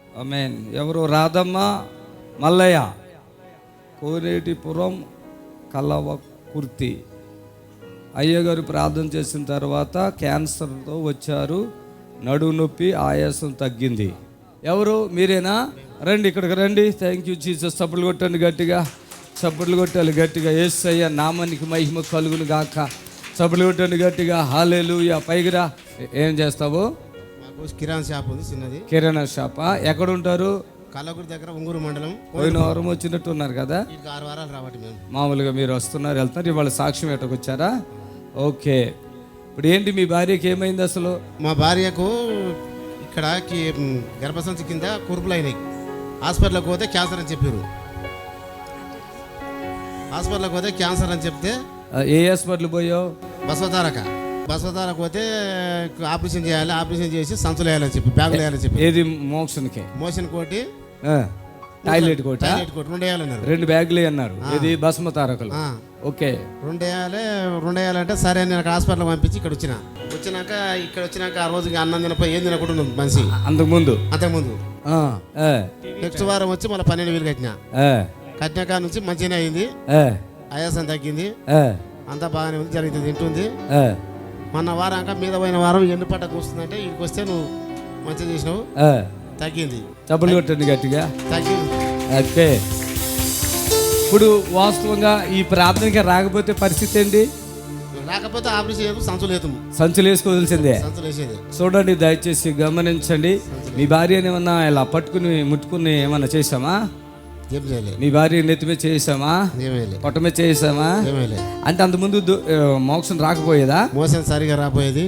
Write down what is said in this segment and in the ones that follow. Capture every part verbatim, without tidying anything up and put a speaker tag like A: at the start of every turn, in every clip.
A: ఆమేన్. ఎవరు? రాధమ్మ, మల్లయ్య, కోనేటిపురం, కలవకుర్తి. అయ్యగారు ప్రార్థన చేసిన తర్వాత క్యాన్సర్తో వచ్చారు. నడుము నొప్పి, ఆయాసం తగ్గింది. ఎవరు? మీరేనా? రండి, ఇక్కడికి రండి. Thank you Jesus. చప్పట్లు కొట్టండి గట్టిగా, చప్పట్లు కొట్టాలి గట్టిగా. యేసయ్య నామానికి మహిమ కలుగును గాక. చప్పట్లు కొట్టండి గట్టిగా. హల్లెలూయా. పైకి రా. ఏం చేస్తావు?
B: మాకు కిరాణా షాప్ ఉంది, చిన్నది
A: కిరాణా షాపా? ఎక్కడ ఉంటారు?
B: కల్లగుడి దగ్గర ఉంగూరు మండలం.
A: పోయిన వారం వచ్చినట్టు ఉన్నారు కదా.
B: ఇంకా ఆరు వారాలు రావటి మేము.
A: మామూలుగా మీరు వస్తున్నారు, వెళ్తున్నారు. ఇవాళ సాక్ష్యం ఎట్టకు వచ్చారా? ఓకే. ఇప్పుడు ఏంటి మీ భార్యకి ఏమైంది అసలు?
B: మా భార్యకు ఇక్కడ గర్భసంచి కింద కురుపులు అయినాయి. హాస్పిటల్కి పోతే క్యాన్సర్ అని చెప్పారు. హాస్పిటల్కి పోతే క్యాన్సర్ అని చెప్తే
A: ఏ హాస్పిటల్ పోయావు?
B: బసవతారక బసవతారక పోతే ఆపరేషన్ చేయాలి, ఆపరేషన్ చేసి సంచులు వేయాలని చెప్పి, బ్యాగులు వేయాలని చెప్పి.
A: ఏది? మోక్షన్కి
B: మోషన్ కోటి,
A: టాయిలెట్ కోట,
B: టాయిలెట్ కోటి రెండు వేయాలన్నారు.
A: రెండు బ్యాగులు అన్నారు. ఇది భస్మ తారకలు. ఓకే,
B: రెండు వేయాలి. రెండు వేయాలంటే సరే నేను అక్కడ హాస్పిటల్ పంపించి ఇక్కడ వచ్చిన వచ్చినాక ఇక్కడ వచ్చినాక ఆ రోజు అన్నం తినపోయి ఏం తినకుండా మనిషి.
A: అంతకు ముందు
B: అంతకుముందు నెక్స్ట్ వారం వచ్చి మళ్ళీ పన్నెండు వేలు కట్టిన. కట్టినాక నుంచి మంచిగానే అయింది, ఆయాసం తగ్గింది, అంతా బాగానే ఉంది, జరిగింది, తింటుంది. మొన్న వారాక మీద పోయిన వారం ఎన్ని పట్ట కూస్తుందంటే ఇక్కడికి వస్తే నువ్వు మంచిగా చేసినావు, తగ్గింది.
A: డబ్బులు కొట్టండి గట్టిగా.
B: తగ్గింది.
A: ఓకే. ఇప్పుడు వాస్తవంగా ఈ ప్రార్థనకి రాకపోతే పరిస్థితి ఏంటి?
B: రాకపోతే ఆపరేషన్ చేయదు, సంచులు వేతాము.
A: సంచులు వేసుకోవాల్సిందే.
B: సంచులు వేసేది.
A: చూడండి, దయచేసి గమనించండి. మీ భార్యని ఏమన్నా ఇలా పట్టుకుని ముట్టుకుని ఏమన్నా చేసామా? మీ భార్య నెత్తిమే చేసామా? పొట్టమే చేసామా? అంటే అంతకుముందు మోక్షం రాకపోయేదా?
B: మోసం సరిగా రాపోయేది,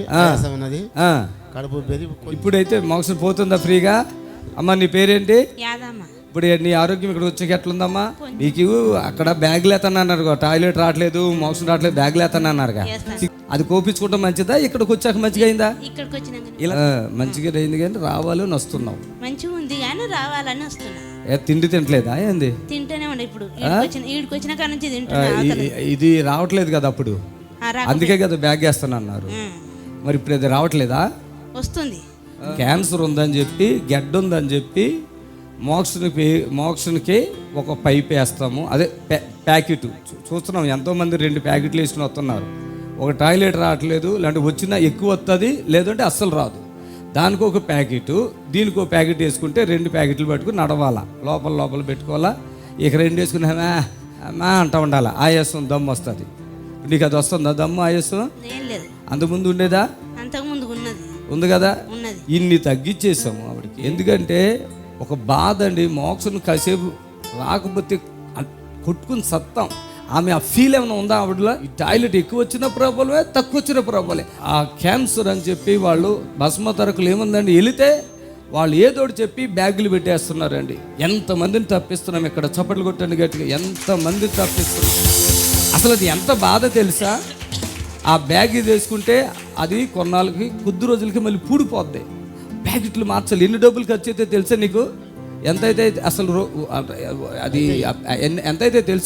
B: కడుపు.
A: ఇప్పుడైతే మోక్షం పోతుందా ఫ్రీగా? అమ్మ నీ పేరేంటి? ఇప్పుడు నీ ఆరోగ్యం ఇక్కడ వచ్చాక ఎట్లుందమ్మా? నీకు అక్కడ బ్యాగులు ఎత్తన్నారు, టాయిలెట్ రావట్లేదు, మోసం రావట్లేదు, బ్యాగులు ఎత్తన్నారుగా. అది కోపించుకుంటాం మంచిదా? ఇక్కడికి వచ్చాక మంచిగా అయిందా? ఇలా మంచిగా అయింది కానీ రావాలని వస్తున్నావు.
C: మంచిగా ఉంది కానీ రావాలని వస్తున్నా.
A: తిండి తింటలేదా? ఏంది?
C: తింటూనే ఉండే. ఇప్పుడు వచ్చిన కాడ నుంచి
A: ఇది రావట్లేదు కదా అప్పుడు, అందుకే కదా బ్యాగ్ వేస్తాను అన్నారు. మరి ఇప్పుడు అది రావట్లేదా?
C: వస్తుంది.
A: క్యాన్సర్ ఉందని చెప్పి, గెడ్డ ఉందని చెప్పి మోక్షన్కి మోక్షన్కి ఒక పైప్ వేస్తాము, అదే ప్యాకెట్. చూస్తున్నాం ఎంతోమంది రెండు ప్యాకెట్లు వేసుకుని వస్తున్నారు. ఒక టాయిలెట్ రావట్లేదు, లేదంటే వచ్చినా ఎక్కువ వస్తుంది, లేదంటే అస్సలు రాదు. దానికి ఒక ప్యాకెట్, దీనికి ఒక ప్యాకెట్ వేసుకుంటే రెండు ప్యాకెట్లు పట్టుకుని నడవాలా, లోపల లోపల పెట్టుకోవాలా. ఇక రెండు వేసుకుని మా అంటూ ఉండాలా, ఆయాసం దమ్ము వస్తుంది. నీకు అది వస్తుందా దమ్ము, ఆయాసం? అంతకుముందు ఉండేదా? ఉంది కదా. ఇన్ని తగ్గించేసాము ఆవిడకి. ఎందుకంటే ఒక బాధ అండి, మోక్షం కాసేపు రాకపోతే కొట్టుకుని సత్తాం. ఆమె ఆ ఫీల్ ఏమైనా ఉందా ఆవిడలో? ఈ టాయిలెట్ ఎక్కువ వచ్చిన ప్రాబ్లమే, తక్కువ వచ్చిన ప్రాబ్లమే. ఆ క్యాన్సర్ అని చెప్పి వాళ్ళు భస్మ తరకులు ఏముందండి, వెళితే వాళ్ళు ఏదోటి చెప్పి బ్యాగులు పెట్టేస్తున్నారండి. ఎంతమందిని తప్పిస్తున్నాం ఇక్కడ. చప్పట్లు కొట్టండి గట్టిగా. ఎంతమందిని తప్పిస్తున్నాం. అసలు అది ఎంత బాధ తెలుసా? ఆ బ్యాగ్ తీసుకుంటే అది కొన్నాళ్ళకి కొద్ది రోజులకి మళ్ళీ పూడిపోద్ది. ప్యాకెట్లు మార్చాలి. ఎన్ని డబ్బులు ఖర్చు అయితే తెలుసా నీకు? ఎంతైతే అసలు అది ఎంతైతే తెలుసు?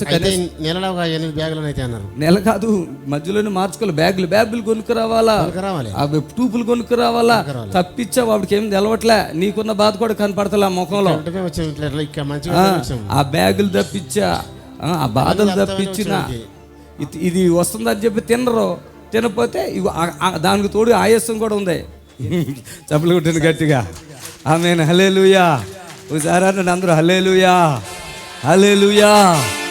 A: నెల కాదు, మధ్యలోనే మార్చుకోవాలి. బ్యాగులు బ్యాగులు కొనుక్కు రావాలా, అవి టూపులు కొనుక్కు రావాలా. తప్పించావు, వాడికి ఏం తెలవట్లే. నీకున్న బాధ కూడా కనపడతలే ముఖంలో. ఆ బ్యాగులు తప్పించా, ఆ బాధలు తప్పించిన ఇది వస్తుందని చెప్పి తినరు. తినకపోతే దానికి తోడు ఆయాసం కూడా ఉంది. చప్పలు కొట్టింది గట్టిగా. ఆమేన్. హల్లెలూయా. ఒకసారి అందరూ హల్లెలూయా, హల్లెలూయా.